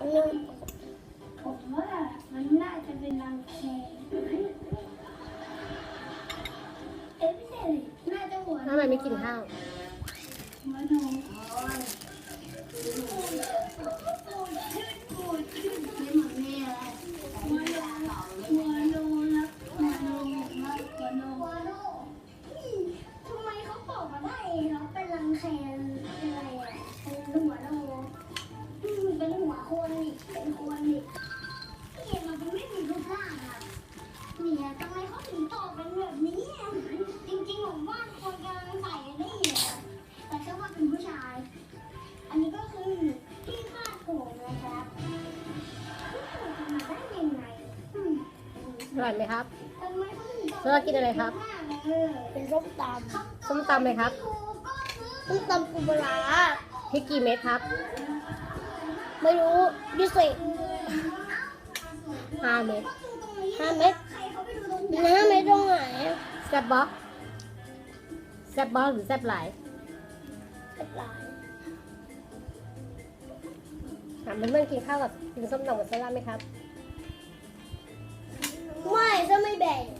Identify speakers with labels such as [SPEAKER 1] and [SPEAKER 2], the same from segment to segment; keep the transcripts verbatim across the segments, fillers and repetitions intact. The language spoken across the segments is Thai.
[SPEAKER 1] นึง
[SPEAKER 2] ผมว่ามันน่าจะเป็นรังแคเอ๊ะไม่ใช่เลยน่าจะหัว
[SPEAKER 3] ทำไมไม่กินข้าว
[SPEAKER 2] หัวนมชื่นปูดชื่นเป็นเหมือนแม่อะไรหัวนมหัวนมนะหัวนมนะหัวนมหัวนมทำไมเขาตอบมาได้เขาเป็นรังแคอะไรอ่ะเป็นหัวนมเป็นหัวคนอีกเป็นคนอีกเห็นมันไม่มีรูปร่างอ่ะเนี่ยทำไมเขาถึงตอบเป็นแบบนี้จริงๆผมว่าคนกำลังใส่ได้เหรอแต่แค่ว่าเป็นผู้ชายอันนี้ก็คือที่คาดผมนะครับทำมาได้ยังไง
[SPEAKER 3] อร่อยไหมครับ
[SPEAKER 2] ทำไมเขาถึงตอบ
[SPEAKER 3] แล้วเรากินอะไรครับ
[SPEAKER 1] เป็นส้มต
[SPEAKER 3] ส้มตำเลยครับ
[SPEAKER 1] ำส้มตำปูปลาร้า
[SPEAKER 3] พริกกี่เม็ดครับ
[SPEAKER 1] ไม่รู้ดิสิ
[SPEAKER 3] ห้าเม็ด
[SPEAKER 1] ห้าเม็ดน้ำไม่ต้องไหน
[SPEAKER 3] แซ่บบ๊อกแซ่บบ๊อกหรือแซ่บหลาย
[SPEAKER 1] กระปลาย
[SPEAKER 3] ถามเพื่อนๆกินข้าวกับกินส้มตำกับเซรั่มไหมครับ
[SPEAKER 1] ไม่ถ้าไม่แบ่ง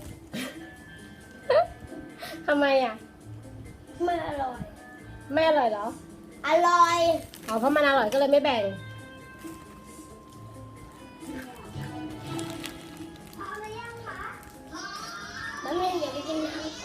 [SPEAKER 3] ทำไมอ่ะ
[SPEAKER 1] ไม่อร่อย
[SPEAKER 3] ไม่อร่อยเหรอ
[SPEAKER 1] อร่อย
[SPEAKER 3] อ๋อเพราะมันอร่อยก็เลยไม่แบ่ง
[SPEAKER 2] เอาไปยังคะ
[SPEAKER 1] แล้วไม่เดี๋ยวไปกินน้ำ